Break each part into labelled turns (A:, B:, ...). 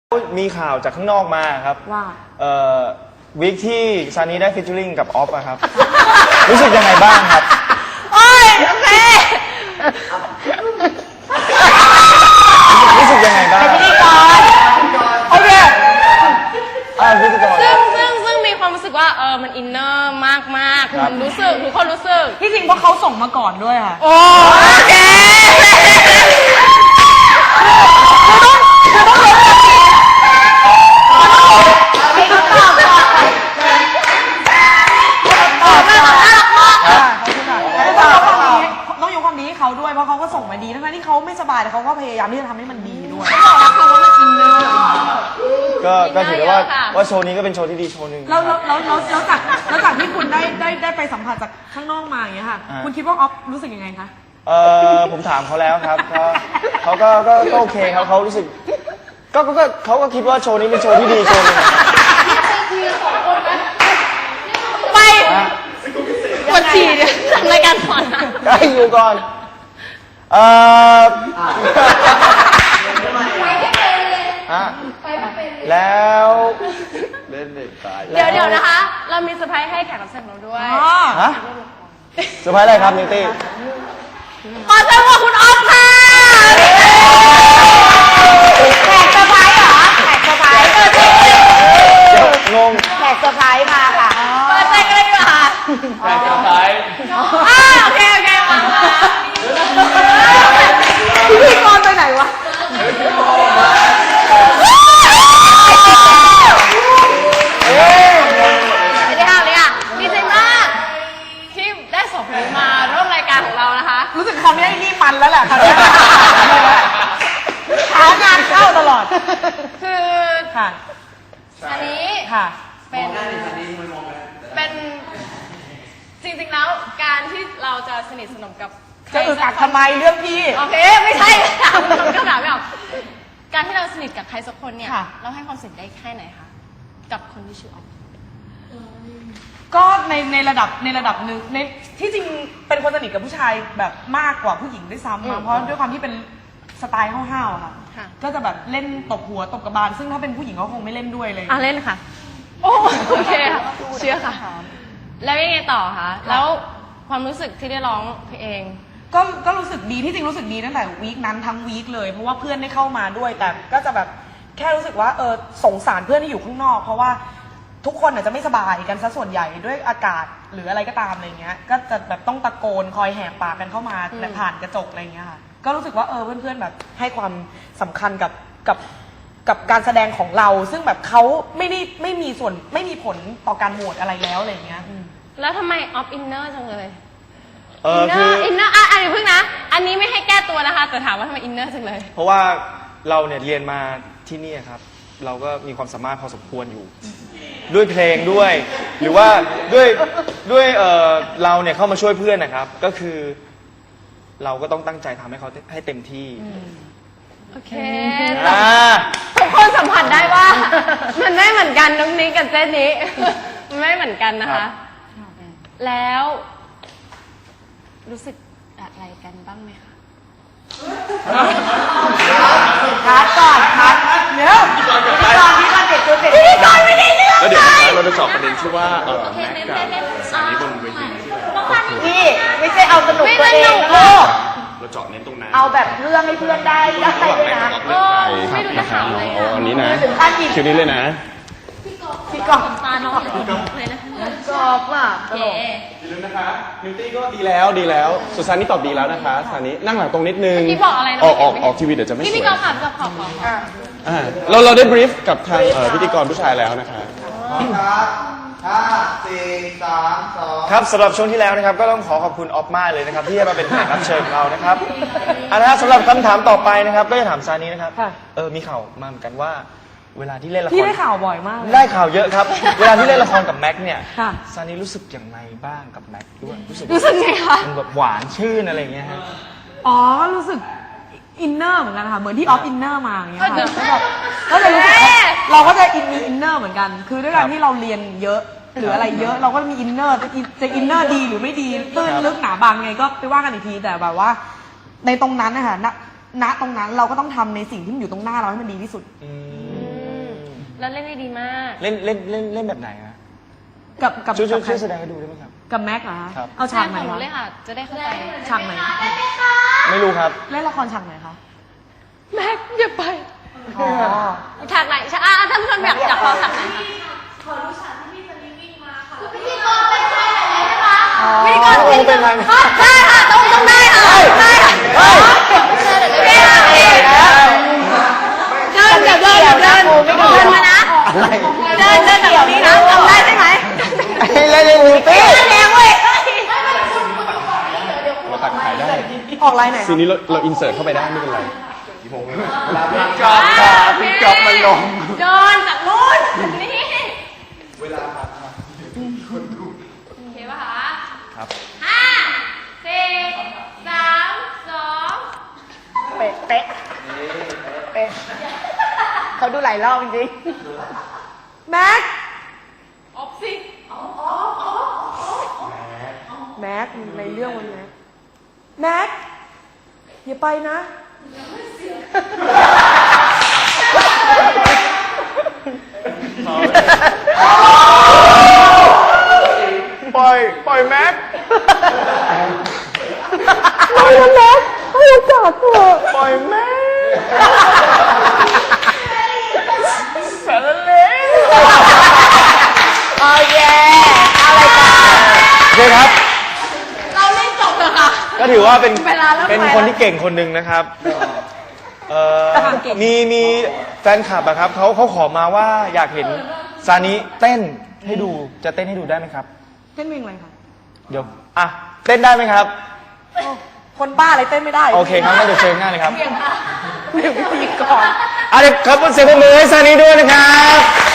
A: มีข่าวจากข้างนอกมาครับ
B: ว่า
A: วีคที่ซานีได้ฟิชเชอริงกับออฟอะครับ รู้สึกยังไงบ้างครับ
B: โอ้ยโอเค
A: รู้สึกยังไงบ้าง
B: เป็นพิธีกรโอเค
A: พิธีกร
C: ซึ่งมีความรู้สึกว่ามันอินเนอร์มากมันรู้สึกทุกคนรู้สึก
B: ที่จริงเพราะเขาส่งมาก่อนด้วยค่ะ
C: โอเค
B: ต้องยกความดีให้เขาด้วยเพราะเขาก็ส่งมาดีทั้งที่เขาไม่สบายแต่เขาก็พยายามที่จะทำให้มันดีด้วย
A: ก็ถือว่าโชว์นี้ก็เป็นโชว์ที่ดีโชว์หนึ่ง
B: แล้วจากที่คุณได้ไปสัมผัสจากข้างนอกมาอย่างเงี้ยค่ะคุณคิดว่าออฟรู้สึกยังไงคะ
A: ผมถามเขาแล้วครับเขาก็โอเคครับเขารู้สึกเขาก็คิดว่าโชว์นี้เป็นโชว์ที่ดีโชว์นึง
C: ไปกดฉี่เนี่ยทำรายการก่อนนะ
A: ได้อยู่ก่อนแล้วเล่นเด็กตาย
C: เดี๋ยวนะคะเรามีเซอร์ไพรส์ให้แขกรับเชิญเราด้วย
A: ฮะเซอร์ไพรส์อะไรครับนิวตี้
C: ขอเชิญคุณออฟค่ะ
B: แขกเซอร์ไพรส์เหรอแขกเซอร์ไพรส์
A: งง
B: แขกเซอร์ไพรส์มาค่ะ
C: เปิดใจกันเลยค่ะ
A: แขกเซอร์ไพรส์
C: โอเคมา
B: พิธีกรไปไหนวะ
C: ไม่ได้ห้ามเลยอ่ะดีใจมากที่ได้ส่งคนนี้มาร่วมรายการของเรานะคะ
B: รู้สึกคำนี้นี่มันแล้วแหละคำนี้หางานเข้าตลอด
C: คือ
B: ค่ะ
C: อันนี้
B: ค่ะ
C: เป็นจริงๆแล้วการที่เราจะสนิทสนมกับ
B: จะอึดอัดทำไมเรื่องพี่
C: โอเคไม่ใช่ถามคำถามไม่ออกการที่เราสนิทกับใครสักคนเนี่ยเราให้ความสนิทได้แค่ไหนคะกับคนที่ชื่อออฟ
B: ก็ในระดับหนึ่งในที่จริงเป็นคนสนิทกับผู้ชายแบบมากกว่าผู้หญิงด้วยซ้ำเพราะด้วยความที่เป็นสไตล์ห้าวๆค่ะก็จะแบบเล่นตบหัวตบกระบาลซึ่งถ้าเป็นผู้หญิงเขาคงไม่เล่นด้วยเลย
C: เล่นค่ะโอเคค่ะเชื่อค่ะแล้วยังไงต่อคะแล้วความรู้สึกที่ได้ร้องเพลง
B: ก็รู้สึกดีที่จริงรู้สึกดีตั้งแต่วีคนั้นทั้งวีคเลยเพราะว่าเพื่อนได้เข้ามาด้วยแต่ก็จะแบบแค่รู้สึกว่าสงสารเพื่อนที่อยู่ข้างนอกเพราะว่าทุกคนอาจจะไม่สบายกันซะส่วนใหญ่ด้วยอากาศหรืออะไรก็ตามอะไรเงี้ยก็จะแบบต้องตะโกนคอยแหกปากกันเข้ามาผ่านกระจกอะไรเงี้ยค่ะก็รู้สึกว่าเพื่อนๆแบบให้ความสำคัญกับการแสดงของเราซึ่งแบบเขาไม่มีผลต่อการโหวตอะไรแล้วอะไรเงี้ย
C: แล้วทำไมออฟอินเนอร์จังเลยอินเนอร์อย่าเพิ่งนะอันนี้ไม่ให้แก้ตัวนะคะแต่ถามว่าทำไมอินเนอร์จังเลย
A: เพราะว่าเราเนี่ยเรียนมาที่นี่ครับเราก็มีความสามารถพอสมควรอยู่ด้วยเพลงด้วยหรือว่าด้วยเราเนี่ยเข้ามาช่วยเพื่อนนะครับก็คือเราก็ต้องตั้งใจทำให้เขาให้เต็มที่
C: โอเคทุกคนสัมผัสได้ว่ามันไม่เหมือนกันน้องนี้กับเจนนี้มันไม่เหมือนกันนะคะแล้วรู้สึกอะไรกันบ้างไหมคะ
B: คัดก่อนคัดเดี๋ยวพี่กรเด็กตัวเด็กพี่กรไม่ได้เรื่อง
D: แล้วเดี๋ยวเราจะเจาะประเด็นที่ว่าแม็กกับสานีบนเวที
B: พี่ไม่ใช่เอาสนุกตัวเองนะ
D: เราเจาะเน้นตรงนั้น
B: เอาแบบเรื่องให้เพื่อนได้ด้วยนะ
C: ไม่รู้จะถามอะไร
D: อันนี้นะคิวนี้เลยนะ
B: พี่กร
C: ตาน้องเลยนะ
B: กอบอ่ะ
C: โอเค
D: อย่าลืมนะคะนิวตี้ก็ดีแล้วสุสานี่ตอบดีแล้วนะคะสานี่นั่งหลังตรงนิดนึง
C: พี่บอกอะไรนะ
D: ออกทีวีเดี๋ยวจะไม่สวย
C: พี่กอล์ฟขับ
D: เราได้บรีฟกับทางพิธีกรผู้ชายแล้วนะคะ
A: 5 4 3 2ครับสำหรับช่วงที่แล้วนะครับก็ต้องขอบคุณออฟมากเลยนะครับที่มาเป็นแขกรับเชิญของเรานะครับนะครับสำหรับคำถามต่อไปนะครับก็จะถามซานีนะครับมีข่าวมาเหมือนกันว่าเวลาที่เล่นละคร
B: พี่ได้ข่าวบ่อยมาก
A: ได้ข่าวเยอะครับเวลาที่เล่นละครกับแม็กเนี่ยซานีรู้สึกอย่างไรบ้างกับแม็กด้วย
C: รู้สึกไงคะ
A: มันแบบหวานชื่นอะไรอย่างเงี้ยฮะ
B: รู้สึกอินเนอร์เหมือนกันค่ะเหมือนที่ออฟอินเนอร์มาอย่างเงี้ยค่ะก็เลยรู้สึกเราก็จะมีอินเนอร์เหมือนกันคือด้วยการที่เราเรียนเยอะหรืออะไรเยอะเราก็มีอินเนอร์จะอินเนอร์ดีหรือไม่ดีตื้นลึกหนาบางไงก็ไปว่ากันอีกทีแต่แบบว่าในตรงนั้นนะคะณตรงนั้นเราก็ต้องทำในสิ่งที่มันอยู่ตรงหน้าเราให้มันดีที่สุด
C: แล้วเล่นได้ดีมาก
A: เล่นแบบไหนฮะ
B: กับ
A: ช่วย
B: กับใคร
A: แสดงให้ดูได้ไหมครับ
B: กับแม็กเหรอคะ
A: ครับ
B: เอาฉากไหน
C: ของหนู
B: คะ
C: เลยค่ะ จะได้เข้าใจ
B: ฉากไหน
A: ไม่รู้ครับ
B: เล่นละครฉากไหนคะ
C: แม็กอย่าไป
B: อ๋อ
C: ฉากไหนฉากท่านผู้ชมอยากฟังฉากไหนคะ
A: ไม่ได้ก่อนเป็นไร
C: ได้ค่ะต้องได้ค่ะได้ค่ะเดินมานะเดินแบบนี้นะทำได้ใช่ไหม
A: เล่นนิวตี้
C: แดงเว้ย
D: เราตัดขายได้
B: ออกไลน์ไหน
D: ซีนนี้เราอินเสิร์ตเข้าไปได้ไม่เป็นไร
A: พี่ก๊อฟครับพี่ก๊อฟมันลง
C: เดินจากนู้นนี่เวลาคนดูโอเคป่ะคะ
A: ครับ
C: 5 4 3 2
B: เป๊ะเป๊ะเป๊ะเขาดูหลายรอบจริงๆแม็ก
C: ออฟสิ
B: แม็กในเรื่องวันแม็กแม็กอย่าไปนะ
A: ปล่อยแม็ก
B: ปล่อยแม็กให้โอกาสเถอะ
A: ปล่อยแม็กสารเล
B: โอเคอะไรกัน
A: โอเคครับ
C: เราเล่นจบเลยค่ะ
A: ก็ถือว่าเป็น
C: เวลาเริ่ม
A: เป็น
C: ไปแล้ว
A: คนที่เก่งคนหนึ่งนะครับมีแฟนคลับอะครับเขาขอมาว่าอยากเห็นซานิเต้นให้ดูจะเต้นให้ดูได้ไหมครับ
B: เต้นเพลงอะไรคะ
A: เดี๋ยวอ่ะเต้นได้ไหมครับ
B: คนบ้าอะไรเต้นไม่ได้
A: โอเคครับงั้นเดี๋ยวเชิญหน้าเลยครับ
B: เดี๋ยวพิธีกร
A: เดี๋ยวครับเสียงปรบมือให้ซานิด้วยนะครับ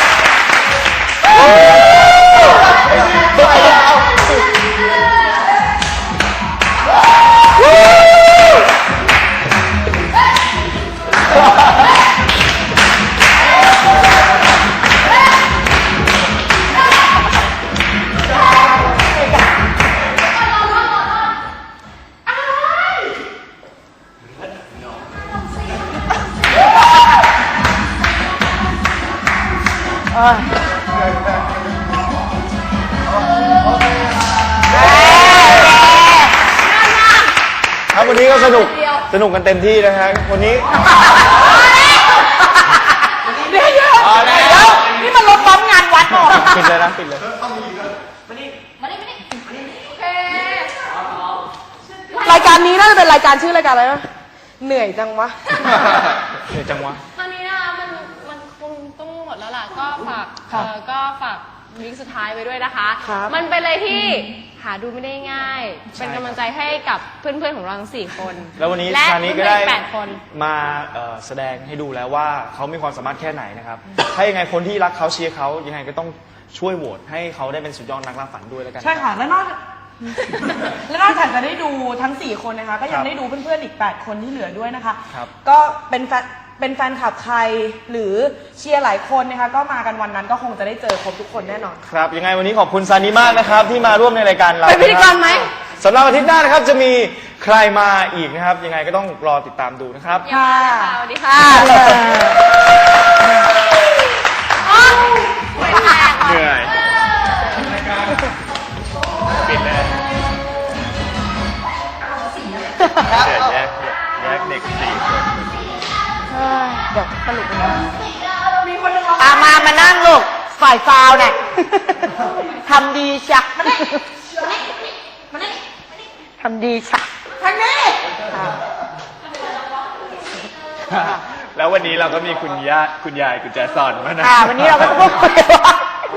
A: ครับวันนี้ก็สนุกกันเต็มที่นะฮะวันนี้
B: เดี๋ยวนี่มันลดล้อมงานวัดหรอ
A: ปิดเลยนะปิดเลย
B: รายการนี้น่าจะเป็นรายการชื่อรายการอะไรนะเหนื่อยจังวะ
A: เดี๋ยวจังหวะ
C: ตอนนี้นะคะมันคงต้องหมดแล้วล่ะก็ฝาก
B: ครับ
C: ก็ฝากวีคสุดท้ายไว้ด้วยนะคะ
B: ครับ
C: มันเป็นอะไรที่หาดูไม่ได้ง่าย เป็นกำลังใจให้กับเพื่อนๆของเราทั้ง4 คน
A: แล้ววันนี้
C: และ
A: ซานิก็ได้
C: เพื่อนๆอี8 คน
A: มาแสดงให้ดูแล้วว่าเขามีความสามารถแค่ไหนนะครับ ถ้ายังไงคนที่รักเขาเชียร์เขายังไงก็ต้องช่วยโหวตให้เขาได้เป็นสุดยอดนักล่าฝันด้วยแล้วกัน
B: ใช่ค่ะ แล้วนอกจากจะได้ดูทั้ง 4 คนนะคะ ก็ยังได้ดูเพื่อนๆอีก 8 คนที่เหลือด้วยนะคะ
A: ครับ
B: ก็เป็นแฟนคลับใครหรือเชียร์หลายคนนะคะ ก็มากันวันนั้นก็คงจะได้เจอครบทุกคนแน่นอน
A: ครับยังไงวันนี้ขอบคุณซานิมากนะครับที่มาร่วมในรายการเรา
B: เป็นพิธีกรไหม
A: สำหรับอาทิตย์หน้านะครับจะมีใครมาอีกนะครับ ยังไงก็ต้องรอติดตามดูนะครับ
B: ค่ะ
C: สวัสดีค่ะ
A: เหนื่อยปิดเลยแยกเด็ก4 คน
B: เดี๋ยวสรุปนะมีคนนึงมานั่งลูกฝ่ายฟาวเนี่ยทำดีชักทำดีชักทางนี้
A: แล้ววันนี้เราก็มีคุณยายคุณแจซอนมานะ
B: วันนี้เราก็พูดคุยว่า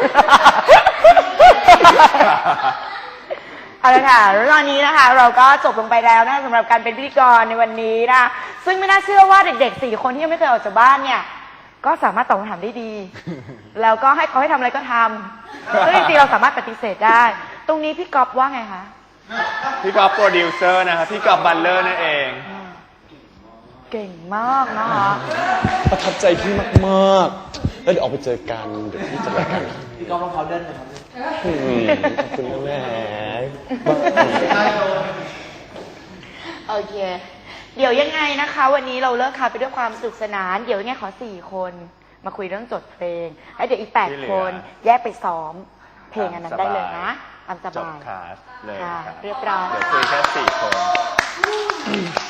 B: เอาละค่ะแล้วตอนนี้นะคะ เราก็จบลงไปแล้วนะสำหรับการเป็นพิธีกรในวันนี้นะซึ่งไม่น่าเชื่อว่าเด็กๆ4 คนที่ยังไม่เคยออกจากบ้านเนี่ยก็สามารถตอบคำถามได้ดี แล้วก็ให้เขาให้ทำอะไรก็ทำซึ่งจริงๆเราสามารถปฏิเสธได้ ตรงนี้พี่ก๊อฟว่าไงคะ
A: พี่ก๊อฟโปรดิวเซอร์นะครับพี่ก๊อฟบัลเลอร์นั่นเอง
B: เก่งมากนะคะ
D: ประทับใจพี่มากๆแล้วเดี๋ยวออกไปเจอกันเดี๋ยวพี่จะรายการพี่ก๊อฟรองเท้าเดินเลยครับขอบคุณนะแม่
B: โอเค เดี๋ยวยังไงนะคะ วันนี้เราเลิกค่ะไปด้วยความสนุกสนาน เดี๋ยวยังไงขอ4 คน
E: มาคุยเรื่องจดเพลงแล้วเดี๋ยวอีก
F: ที่เหลื
E: 8
F: อ
E: คนแยกไปซ้อมเพลงอันนั้นได้เลยนะตามส
F: จบบ
E: าย
F: คลาสเลย
E: ค่ะ
F: ครับ
E: เรียบร้อย
F: เดี๋ยวคุยแค่4 คน